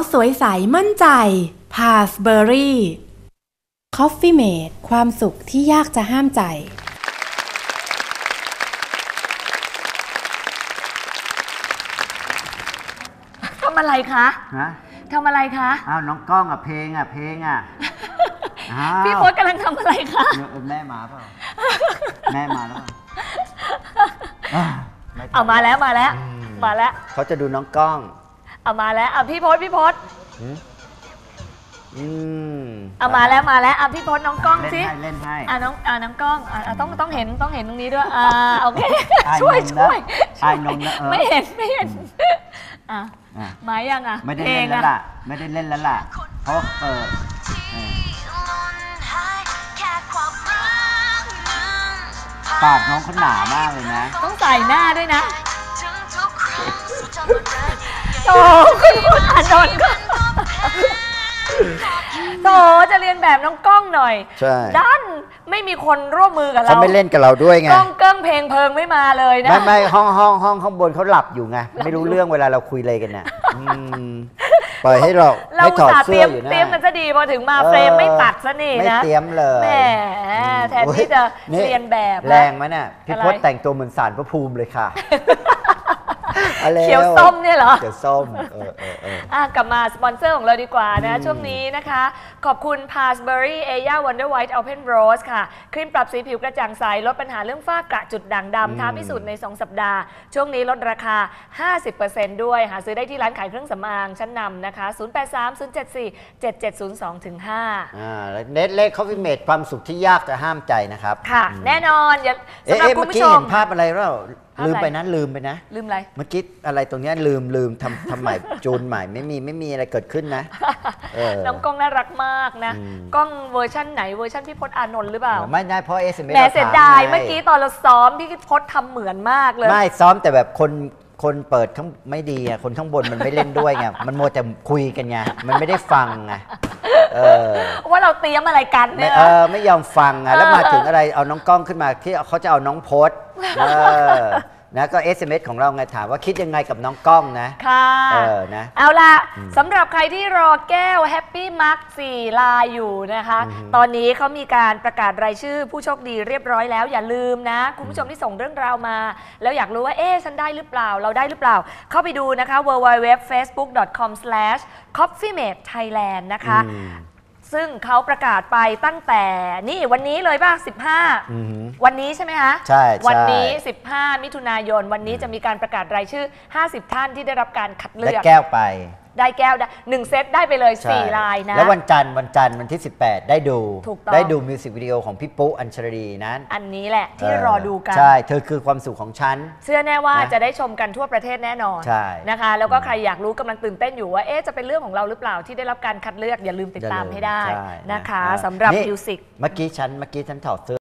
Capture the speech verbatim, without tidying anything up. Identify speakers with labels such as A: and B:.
A: สวยใสมั่นใจ Pillsbury Coffee Mate ความสุขที่ยากจะห้ามใจ
B: ทำอะไรคะฮะทำอะไรคะ
C: อ้าวน้องก้องอ่ะเพลงอ่ะเพลงอ่ะ
B: พี่พจน์กำลังทำอะไรคะ
C: แม่มาเปล่าแม่มาแล้ว
B: เอามาแล้วมาแล้วมาแล้ว
C: เขาจะดูน้องก้อง
B: เอามาแล้วเอาพี่พจน์พี่พจน์
C: อืม
B: เอามาแล้วมาแล้วเอาพี่พจน์น้องก้องสิ
C: เล่นให้
B: อ่าน้องอ่าน้องก้องอ่าต้องต้องเห็นต้องเห็นตรงนี้ด้วยอ่าโอเคช่วยช่วย
C: ไอ้นมนะ
B: ไม่เห็นไม่เห็นอ่ะมายังอ่ะ
C: ไม่ได้เล่นแล้วล่ะไม่ได้เล่นแล้วล่ะเพราะเออปากน้องเขาหนามากเลยนะ
B: ต้องใส่หน้าด้วยนะโธ่คุณคุณอานนท์ก็โธ่จะเรียนแบบน้องก้องหน่อย
C: ใช่
B: ด้านไม่มีคนร่วมมือกับเรา
C: เขาไม่เล่นกับเราด้วยไง
B: ก้องเกิ้งเพลงเพลิงไม่มาเลยนะ
C: ไม่ไม่ห้องห้องห้องข้างบนเขาหลับอยู่ไงไม่รู้เรื่องเวลาเราคุยอะไรกันน่ะปล่อยให้เรา
B: ให้ถอดเสื้ออยู่นะเตรียมกันจะดีพอถึงมาเฟรมไม่ตัดซะนี่นะ
C: ไม่เตรียมเลย
B: แหมแทนที่จะเรียนแบบ
C: แรงไหมเนี่ยพี่พจน์แต่งตัวเหมือนศาลพระภูมิเลยค่ะ
B: เขียวส้มเนี่ยเหรอ
C: เขียวส้มเออเออเอ
B: อกลับมาสปอนเซอร์ของเราดีกว่านะช่วงนี้นะคะขอบคุณ Pillsbury Aya Wonder White Open Rose ค่ะครีมปรับสีผิวกระจ่างใสลดปัญหาเรื่องฝ้ากระจุดด่างดำท้าพิสูจน์ในสองสัปดาห์ช่วงนี้ลดราคา ห้าสิบเปอร์เซ็นต์ ด้วยหาซื้อได้ที่ร้านขายเครื่องสำอางชั้นนำนะคะศูนย์ แปด สาม ศูนย์ เจ็ด สี่ เจ็ด เจ็ด ศูนย์ สอง ถึง ห้า
C: อ่าเน็ตเล็ก Coffee Mate ความสุขที่ยากจะห้ามใจนะครับ
B: ค่ะแน่นอนสำหรับคุณผู้ชม
C: เห็นภาพอะไรแล้วลืมไปนะลืมไปนะ
B: ลืมอะไร
C: เมื่อกี้อะไรตรงนี้ลืมลืมทำทำใหม่จูนใหม่ไม่มีไม่มีอะไรเกิดขึ้นนะ
B: น้องก้องน่ารักมากนะกล้องเวอร์ชั่นไหนเวอร์ชั่นพี่พจน์อานนท์หรือเปล่า
C: ไม่ได้เพราะเอสเอ็มเอส
B: แหมเสียดายเมื่อกี้ตอนเราซ้อมพี่พจน์ทำเหมือนมากเลย
C: ไม่ซ้อมแต่แบบคนคนเปิดข้างไม่ดีอ่ะคนข้างบนมันไม่เล่นด้วยไงมันมัวแต่คุยกันไงมันไม่ได้ฟังไง
B: ว่าเราเตรียมอะไรกันเนี่ย
C: เออไม่ยอมฟังอ่ะแล้วมาถึงอะไรเอาน้องก้องขึ้นมาที่เขาจะเอาน้องพจน์นะก็ เอส เอ็ม เอส ของเราไงถามว่าคิดยังไงกับน้องก้องนะ
B: ค่ะ
C: เออนะ
B: เอาล่ะสำหรับใครที่รอแก้วแฮปปี้มาร์คสี่ลายอยู่นะคะตอนนี้เขามีการประกาศรายชื่อผู้โชคดีเรียบร้อยแล้วอย่าลืมนะคุณผู้ชมที่ส่งเรื่องราวมาแล้วอยากรู้ว่าเอ๊ะฉันได้หรือเปล่าเราได้หรือเปล่าเข้าไปดูนะคะ ดับเบิลยู ดับเบิลยู ดับเบิลยู ดอท เฟซบุ๊ก ดอท คอม สแลช คอฟฟี่เมท ไทยแลนด์ นะคะซึ่งเขาประกาศไปตั้งแต่นี่วันนี้เลยป่ะสิบห้าวันนี้ใช่ไหมคะ
C: ใช่
B: วันนี้สิบห้ามิถุนายนวันนี้จะมีการประกาศรายชื่อห้าสิบท่านที่ได้รับการคัดเลือก
C: ได้แก้วไป
B: ได้แก้วหนึ่งเซตได้ไปเลยสี่ลายนะ
C: แล้ววันจันทร์วันจันทร์วันที่สิบแปดได้ดูได้ดูมิวสิกวิดีโอของพี่ปุ๊อัญชลีนั้น
B: อันนี้แหละที่รอดูกัน
C: ใช่เธอคือความสุขของฉัน
B: เชื่อแน่ว่าจะได้ชมกันทั่วประเทศแน่นอน
C: ใช่
B: นะคะแล้วก็ใครอยากรู้กำลังตื่นเต้นอยู่ว่าเอ๊ะจะเป็นเรื่องของเราหรือเปล่าที่ได้รับการคัดเลือกอย่าลืมติดตามให้ได้นะคะสำหรับมิวสิก
C: เมื่อกี้ฉันเมื่อกี้ฉันถอดเสื้อ